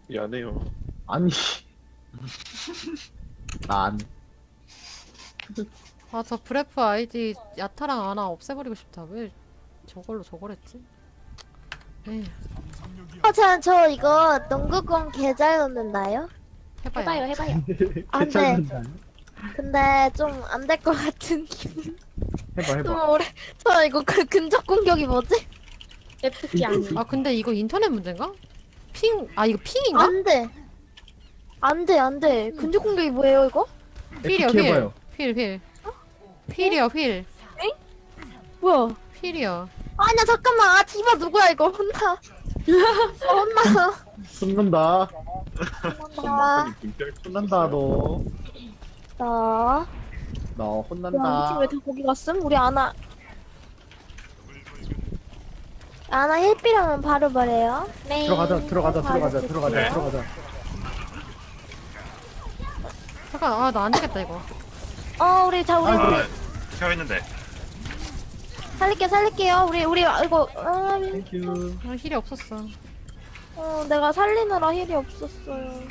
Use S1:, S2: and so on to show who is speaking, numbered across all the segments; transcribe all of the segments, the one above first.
S1: 미안해요.
S2: 아니. 난.
S3: 아, 저 브레프 아이디 야타랑 아나 없애버리고 싶다. 왜 저걸로 저걸 했지? 에이,
S4: 저 이거 농구공 개잘 넣는다요?
S3: 해봐요.
S5: 해봐요.
S4: 안 돼. 근데 좀 안 될 것 같은 기분.
S2: 해봐.
S4: 좀 오래. 저 이거 그 근접 공격이 뭐지?
S5: FP 아니에요.
S3: 아, 근데 이거 인터넷 문제인가? 이거 핑인가?
S4: 안 돼. 안 돼. 근접 공격이 뭐예요 이거?
S3: 휠이요,
S2: FK
S3: 휠.
S2: 해봐요.
S3: 휠. 휠이요, 휠.
S4: 뭐야?
S3: 휠이요.
S4: 아니야 잠깐만. 아 디바 누구야 이거? 혼나. 혼나.
S2: 혼난다.
S4: 혼나.
S2: 혼난다 너.
S4: 나.
S2: 너
S4: 야,
S2: 혼난다.
S4: 우리 팀 왜 다 거기 갔음? 우리 아나 힐비라면 바로 말해요. 네.
S2: 들어가자.
S1: 네.
S3: 잠깐, 나 안 되겠다, 이거.
S4: 우리 우리
S1: 아, 켜 있는데.
S4: 살릴게요. 우리 이거
S2: 땡큐.
S3: 아, 힐이 없었어.
S4: 내가 살리느라 힐이 없었어요.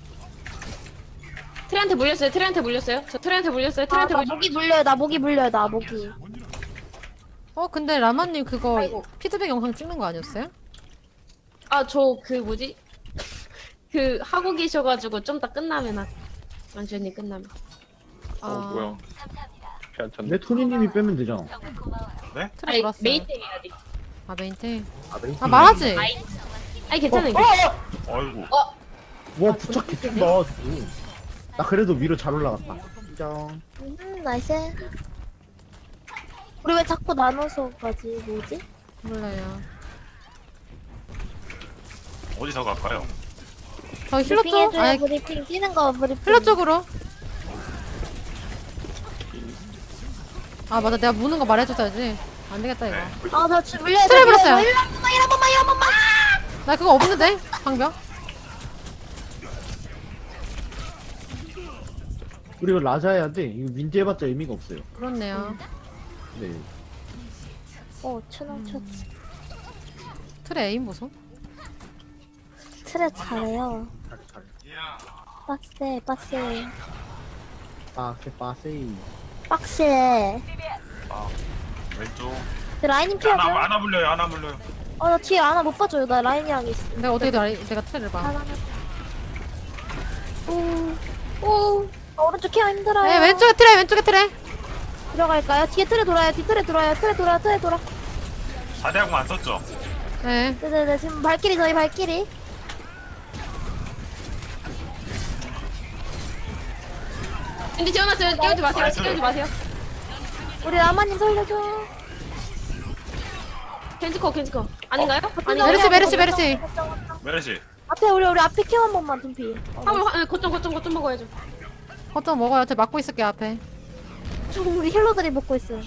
S5: 트레한테 물렸어요. 저 트레한테 물렸어요.
S4: 나 목이 물려요. 나 목이.
S3: 근데 라마님 그거
S5: 아이고.
S3: 피드백 영상 찍는 거 아니었어요?
S5: 저 그 뭐지? 그 하고 계셔가지고 좀 더 끝나면 완전히 끝나면.
S1: 뭐야. 괜찮네.
S2: 내 토니님이 빼면 되잖아.
S1: 네?
S3: 틀에
S5: 아니
S3: 돌았어요.
S5: 메이팅이 아직.
S3: 아, 메인테.
S2: 메인
S3: 아, 말하지!
S5: 아니 괜찮아요.
S1: 아이고.
S2: 와 부착 개쩐다. 나 그래도 위로 잘 올라갔다. 인정.
S4: 나이스. 우리 왜 자꾸 나눠서 가지? 뭐지?
S3: 몰라요.
S1: 어디서 갈까요?
S3: 저 힐러
S4: 브리핑
S3: 쪽?
S4: 해줘요.
S3: 아니,
S4: 브리핑 뛰는 거 브리핑.
S3: 힐러 쪽으로. 아, 맞아. 내가 무는 거 말해줬어야지. 안 되겠다, 이거.
S4: 나 지금 물려야 돼.
S3: 트랩 불었어요.
S4: 일 한 번만.
S3: 나 그거 없는데? 방벽?
S2: 우리 이거 라자 해야 돼. 이거 민지 해봤자 의미가 없어요.
S3: 그렇네요.
S2: 네.
S4: 천원 쳤지.
S3: 틀에 에임 보소?
S4: 트랩 잘해요.
S2: 잘.
S4: 빡세.
S2: 빠세이.
S4: 빡세.
S1: 왼쪽.
S4: 라인님 피하죠?
S1: 하나 물려요.
S4: 나 뒤에 아나 못 봐줘요. 나 라인이랑 있어.
S3: 내가 내가 틀에를 봐.
S4: 오른쪽 케어 힘들어요.
S3: 네, 왼쪽에 틀에.
S4: 들어갈까요? 뒤에 틀에 돌아요. 틀에 돌아.
S1: 4대하고 안 썼죠?
S3: 네.
S4: 네네네. 지금 저희 발길이.
S5: 근데 지원했어요. 깨우지 마세요.
S4: 우리 라마님 살려줘.
S5: 켄지코 아닌가요?
S3: 메르시.
S1: 메르시.
S4: 앞에 우리 앞에 케어 한 번만 둠피.
S5: 거점 먹어야죠.
S3: 거점 먹어요. 저 막고 있을게요, 앞에.
S4: 지금 우리 힐러들이 먹고 있어요.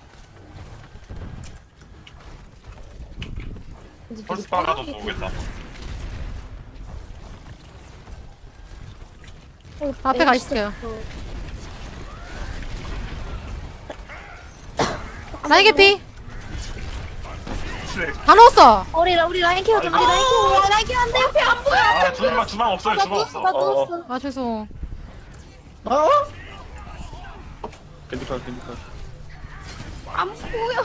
S1: 펄스 빨아도 보겠다.
S3: 앞에 가 있을게요. 나이 개피! 다 넣었어!
S4: 우리 라인 케어 좀. 우리 라인 케어 안 돼. 옆에 안 보여.
S1: 주방 없어요.
S4: 나
S1: 주방
S4: 누웠어.
S1: 없어.
S3: 아, 죄송.
S1: 겐지카.
S4: 안 보여.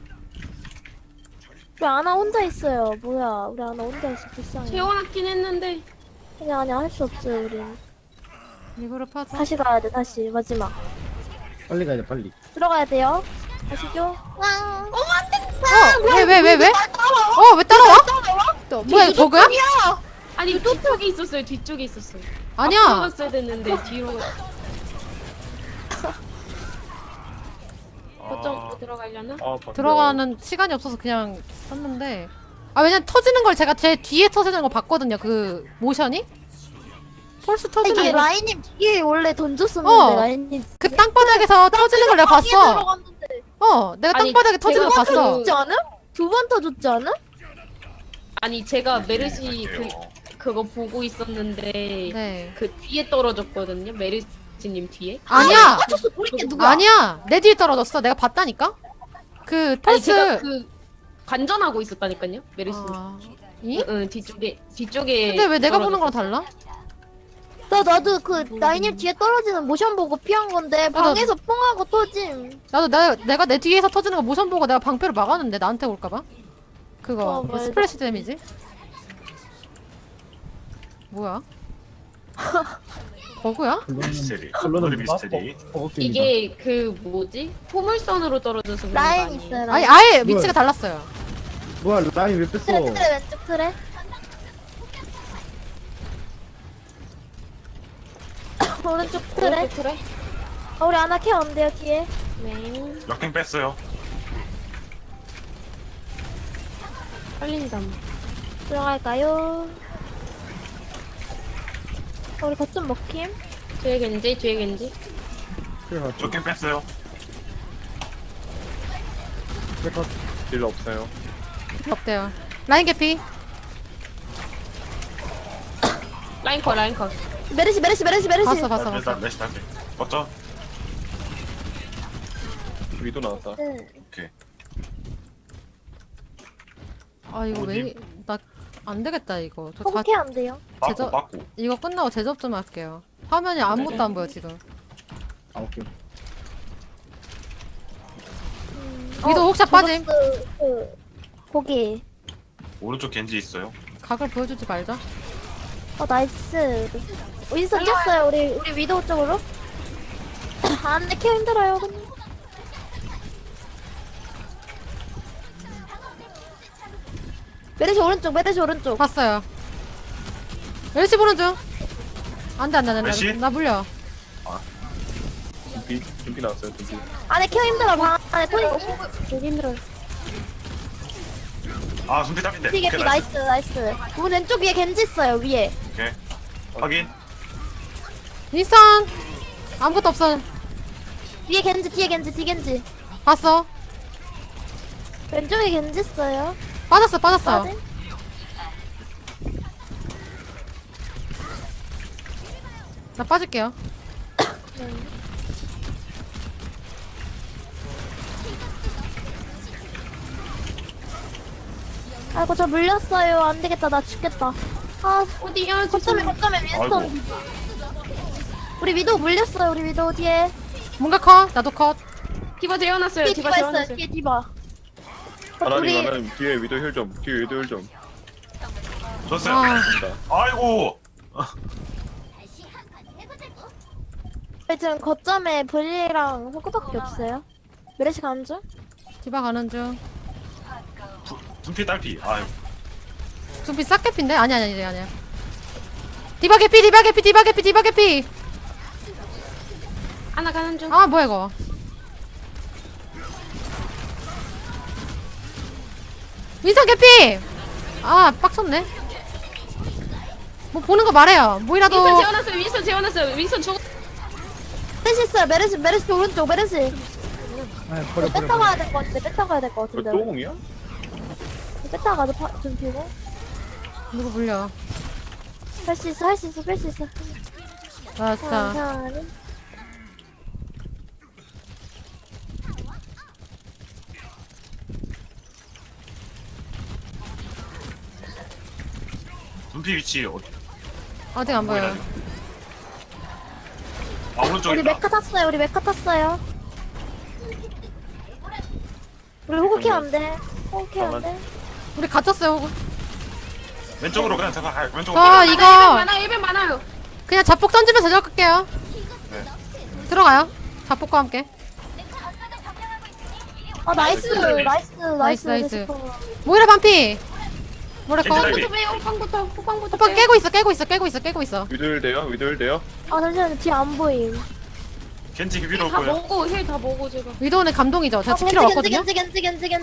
S4: 우리 아나 혼자 있어요. 뭐야? 우리 아나 혼자 있어. 불쌍해.
S5: 재워놨긴 했는데.
S4: 아니야 할 수 없어요. 우린
S3: 리그룹 하자.
S4: 다시 가야 돼. 다시 마지막.
S2: 빨리 가야 돼 빨리.
S4: 들어가야 돼요. 가시죠. 안 돼.
S3: 왜? 왜 따라와? 뭐야, 이거 버그야?
S5: 아니 뒤쪽에 있었어요.
S3: 아니야.
S5: 앞으로 갔어야 됐는데 뒤로. 거점 들어가려나?
S3: 들어가는 시간이 없어서 그냥 썼는데. 왜냐면 터지는 걸 제가 제 뒤에 터지는 거 봤거든요, 그 모션이? 펄스 터지는
S4: 이게
S3: 거.
S4: 라인님 뒤에 원래 던졌었는데 라인님
S3: 그 땅바닥에서 터지는 걸 내가 봤어.
S4: 들어갔는데
S3: 내가
S5: 아니,
S3: 땅바닥에 터지는 거
S5: 제가
S3: 봤어.
S4: 터졌지 않음? 두 번 터졌지 않음?
S5: 아니 제가 메르시 그거 보고 있었는데
S3: 네.
S5: 그 뒤에 떨어졌거든요. 메르시님 뒤에.
S3: 아니야!
S4: 터졌어. 우리 누구야?
S3: 아니야! 내 뒤에 떨어졌어. 내가 봤다니까? 그
S5: 아니
S3: 펄스.
S5: 제가 그 관전하고 있었다니까요. 메르시.
S3: 아, 이?
S5: 응, 뒤쪽에.
S3: 근데 왜 내가 보는
S5: 떨어졌어.
S3: 거랑 달라?
S4: 나도 그 라인님 뒤에 떨어지는 모션 보고 피한 건데 방에서 뽕하고 터짐.
S3: 나도 내가 내 뒤에서 터지는 거 모션 보고 내가 방패로 막았는데 나한테 올까봐? 그거 그
S4: 맞아.
S3: 스플래시 데미지? 뭐야? 버그야?
S1: 미스테리.
S2: 결론은
S1: 오늘의
S2: 뭐가?
S1: 미스테리.
S2: 버거입니다.
S5: 이게 그 뭐지? 포물선으로 떨어져서 그런 거
S4: 라인
S5: 아니에요?
S4: 있어요.
S3: 아니
S4: 라인.
S3: 아예 위치가 달랐어요.
S2: 뭐야 라인 왜 뺐어?
S4: 트레 왼쪽 트레. 오른쪽 트레.
S5: 오른쪽 그래?
S4: 우리 아나 케어 안 돼요 뒤에.
S5: 네.
S1: 역행 뺐어요.
S5: 빨린다.
S4: 들어갈까요? 우리 거점 먹힘.
S5: 뒤에 겐지.
S1: 역행 뺐어요. 딜 없어요.
S3: 없대요. 라인 개피.
S5: 라인 컷.
S4: 메르시.
S3: 봤어.
S1: 일단 레시 탈게. 어쩌? 위도 나왔다.
S4: 응.
S1: 오케이.
S3: 아 이거 왜
S1: 어디?
S3: 나 안 되겠다 이거.
S4: 호구 케어 안 돼요.
S1: 빠꾸 빠꾸.
S3: 이거 끝나고 제접 좀 할게요. 화면이 아무것도 안 보여 지금.
S2: 아 오케이.
S3: 위도 혹시 빠짐.
S4: 거기.
S1: 오른쪽 겐지 있어요.
S3: 각을 보여주지 말자.
S4: 나이스. 윈선 뛰었어요. 우리 위도우 쪽으로. 안돼 케어 힘들어요. 근데. 메르시 오른쪽.
S3: 봤어요. 멜시 보는 중. 안돼
S1: 멜시?
S3: 나 물려.
S1: 준비 나왔어요. 준비.
S4: 안에 케어 힘들어. 방 안에 토니 되게 힘들어요.
S1: 아 준비 답인데.
S4: 되게
S1: 오케이,
S4: 나이스. 우리 왼쪽 위에 겐지 있어요. 위에.
S1: 오케이. 확인.
S3: 윈선 아무것도 없어.
S4: 위에 겐지 뒤에 겐지.
S3: 봤어.
S4: 왼쪽에 겐지 있어요.
S3: 빠졌어.
S4: 빠짐.
S3: 나 빠질게요.
S4: 아이고 저 물렸어요. 안 되겠다. 나 죽겠다.
S5: 어디야?
S4: 거점에 윈스턴.
S1: 아이고.
S4: 우리 위도우 물렸어요. 우리 위도우 뒤에.
S3: 뭔가 컷. 나도 컷.
S5: 디바 재워놨어요.
S4: 뒤에
S5: 디바
S4: 디바 있어요.
S5: 재워놨어요.
S4: 뒤에 디바.
S1: 하나님
S4: 우리
S1: 하나님 뒤에 위도 힐 좀. 뒤에 위도 힐 좀. 줬어요.
S3: 아.
S1: 아이고.
S4: 지금 거점에 브리랑 호크밖에 없어요. 메르시 가는 중?
S3: 디바 가는 중.
S1: 준비 딸피. 아유.
S3: 좀 비싸 개피인데? 아니야. 디바 개피.
S5: 하나 가는 중.
S3: 아 뭐야 이거. 윈선 개피. 아 빡쳤네. 뭐 보는 거 말해요. 뭐이라도.
S5: 윈선 재워놨어요. 윈선 죽.
S4: 메르시 있어요. 메르시 오른쪽. 메르시.
S2: 아 버려.
S4: 뺐다 가야 될 것 같은데. 뺐다 가야 될 것 같은데.
S1: 똥이야?
S4: 뺐다 가도 좀 피고.
S3: 누구 물려.
S4: 할 수 있어. 뺄 수 있어.
S3: 나 진짜.
S4: 천천히.
S1: 준비 위치 어디?
S3: 아직 안 보여.
S1: 아 오른쪽에
S4: 우리
S1: 있다.
S4: 메카 탔어요. 우리 호구 케어 안 돼.
S3: 우리 갇혔어요. 호구.
S1: 왼쪽으로 그냥 제가 왼쪽으로.
S3: 아
S1: 빨리.
S3: 이거
S5: 1배 많아요.
S3: 그냥 자폭 던지면서 저격할게요.
S1: 네.
S3: 들어가요. 자폭과 함께.
S4: 나이스.
S3: 나이스. 모이라 반피. 모이라 컷.
S1: 겐지
S5: 또 빼요. 호빵부터
S3: 오빠 깨고 있어.
S1: 위도 힐 돼요?
S4: 잠시만요. 뒤에 안 보임.
S1: 겐지 위로 올
S5: 다
S1: 거예요.
S5: 먹고 힐 다 먹고 지금.
S3: 위도우는 감동이죠. 제가 지키러 왔거든요.
S4: 겐지.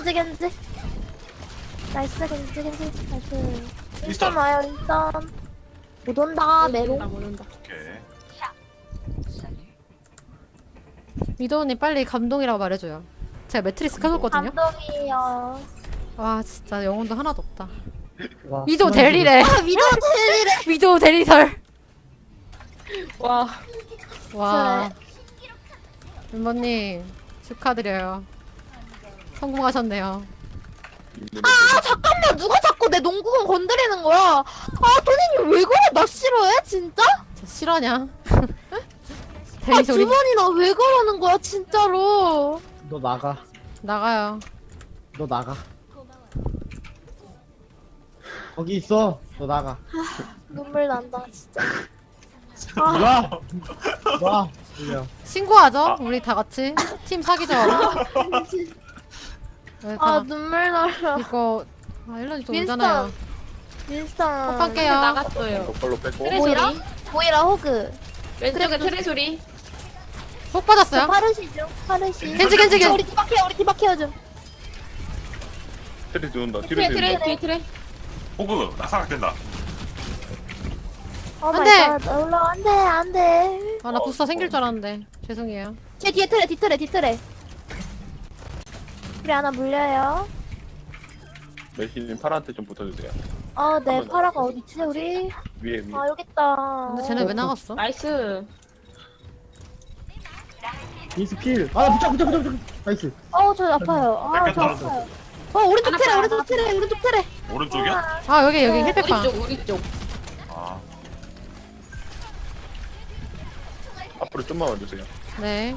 S4: 나이스. 나이스.
S1: 윈스턴.
S4: 와요. 윈스턴. 못 온다. 메롱.
S5: 모른다.
S1: 오케이.
S3: 위도우님 빨리 감동이라고 말해줘요. 제가 매트리스 켜놓거든요.
S4: 감동이요.
S3: 와 진짜 영혼도 하나도 없다.
S2: 와,
S3: 위도우
S2: 순간
S3: 대리래.
S4: 위도우 텔리래.
S3: 위도우 대리설.
S5: 와.
S3: 와. 멤버님 축하드려요. 성공하셨네요.
S4: 아 잠깐만 누가 자꾸 내 농구공 건드리는 거야. 아 토니님 왜 그래? 나 싫어해 진짜?
S3: 저 실화냐?
S4: 아
S3: 대리 소리.
S4: 두 번이나 왜 그러는 거야 진짜로.
S2: 너 나가.
S3: 나가요.
S2: 너 나가. 거기 있어. 너 나가.
S4: 눈물 난다 진짜.
S2: 와. 와. 그냥.
S3: 신고하죠? 우리 다 같이 팀 사기죠. 네,
S4: 아
S3: 다
S4: 눈물 나요.
S3: 이거 일런이 또
S4: 윈스턴.
S3: 오잖아요.
S4: 윈스턴.
S3: 오빠게요.
S5: 나갔어요.
S1: 똑바로 뺐고.
S5: 트레
S4: 뭐야?
S5: 소리.
S4: 보이라 호그.
S5: 왼쪽에 트레 소리.
S3: 폭 받았어요?
S4: 파르시죠? 파르시.
S3: 겐지, 겐지, 겐지.
S4: 우리 뒤바퀴야 우리 뒤바퀴야 좀.
S1: 트레 들어온다.
S5: 트레
S1: 뒤로
S5: 트레
S1: 들어온다.
S5: 뒤에 트레.
S6: 호그 낙사각된다.
S4: 어
S3: 안
S4: 마이
S3: 돼.
S4: 갓. 올라 안돼 안돼.
S3: 아 나 부스터 생길 줄 알았는데 죄송해요.
S4: 제 뒤에 트레 뒤트레 뒤트레. 우리 하나 물려요.
S1: 메시님 파란테 좀 붙어주세요.
S4: 네 파라가 어디지 우리?
S1: 위에.
S4: 아 여기 있다.
S3: 근데 쟤네 왜 나갔어?
S5: 나이스.
S2: 인스필. 아 붙여. 나이스.
S4: 저 아파요. 저
S6: 뺏겼다.
S4: 아파요. 오른쪽 트레 오른쪽 트레 오른쪽 트레.
S6: 오른쪽이야?
S3: 아 여기
S4: 네.
S3: 힐백방.
S5: 우리 쪽 우리 쪽.
S6: 아,
S1: 앞으로 좀만 와주세요.
S3: 네.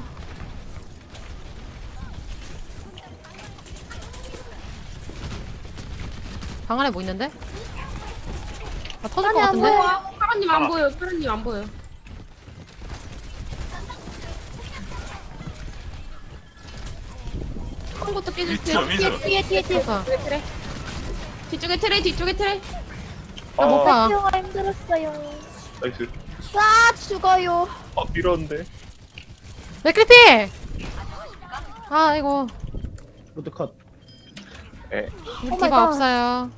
S3: 방 안에 뭐 있는데? 아 터질 것
S4: 아니, 안
S3: 같은데?
S4: 보여.
S5: 파란님 안 보여. 파란님 안 보여. 한 것도 깨질 때.
S6: 위치요.
S4: 뒤에
S3: 됐어.
S5: 뒤쪽에 트레. 뒤쪽에 트레 뒤쪽에 트레.
S3: 나못 봐.
S4: 피어가 힘들었어요.
S1: 나이스.
S4: 죽어요.
S1: 밀었는데.
S3: 맥크리피! 아 이거
S2: 로드 컷.
S1: 에.
S3: 우리
S4: 오 마이
S3: 디바
S4: 갓.
S3: 없어요.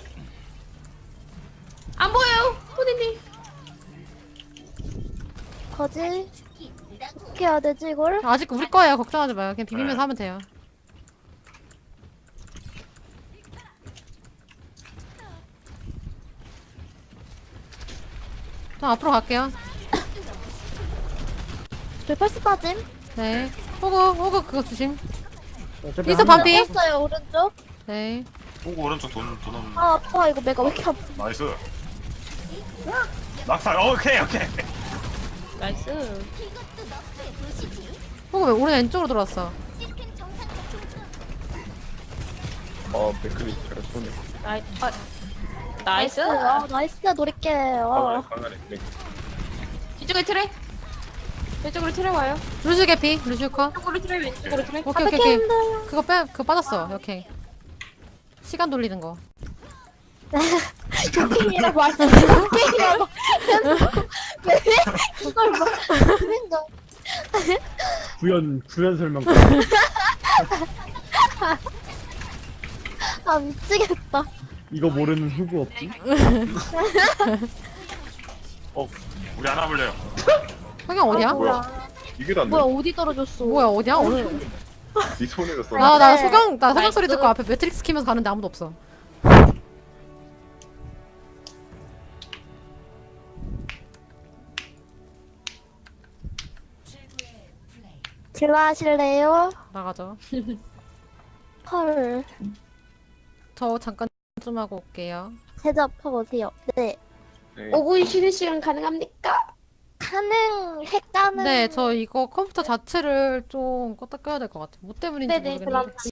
S5: 안 보여요. 토니님.
S4: 거지? 어떻게 해야 되지 이걸?
S3: 아직 우리 거예요. 걱정하지 마요. 그냥 비비면서 하면 돼요. 저 앞으로 갈게요.
S4: 저 펄스 빠짐.
S3: 네. 호그 그거 조심.
S2: 어차피
S3: 있어,
S2: 한 명.
S3: 반피.
S4: 뺐어요 오른쪽.
S3: 네.
S6: 호그 오른쪽 돈 없는.
S4: 아 아파 이거 내가 왜 이렇게 아파?
S6: 나이스. 낙사. 오케이.
S5: 나이스.
S3: 호그 왜 오른 왼쪽으로 들어왔어?
S1: 맥클리 잘 쏘네.
S5: 나이스.
S4: 나이스 노릴게.
S1: 방 안에. 네.
S5: 뒤쪽에 트레. 왼쪽으로 트레 와요.
S3: 루슈 개피. 루슈 컷.
S5: 왼쪽으로 트레 왼쪽으로 트레.
S3: 오케이
S4: 어떻게
S3: 오케이.
S4: 힘들어?
S3: 그거 빠졌어. 오케이. 시간 돌리는 거.
S4: 쇼킹이라고 말. 쇼킹이라고. 왜 그걸 막 생각?
S2: 구현 설명.
S4: 아 미치겠다.
S2: 이거 모르는 후구 없지?
S6: 우리 하나 볼래요.
S3: 성경 어디야?
S1: 뭐야? 이게 안
S4: 뭐야
S1: 돼.
S4: 어디 떨어졌어?
S3: 뭐야 어디야? 오늘
S1: 네 손에서 쏘네.
S3: 나
S4: 네.
S3: 소경
S5: 나이스.
S3: 소리 듣고 앞에 매트릭스 키면서 가는데 아무도 없어.
S4: 질러하실래요?
S3: 나가죠.
S4: 헐.
S3: 저 잠깐 좀 하고 올게요.
S4: 제접하고 오세요. 네.
S1: 네.
S5: 5분 쉬는 시간 가능합니까?
S4: 가능했다는.
S3: 네, 저 이거 컴퓨터 자체를 좀 껐다 껴야 될 것 같아요. 뭐 때문인지
S5: 네네
S3: 모르겠는데.
S5: 그럼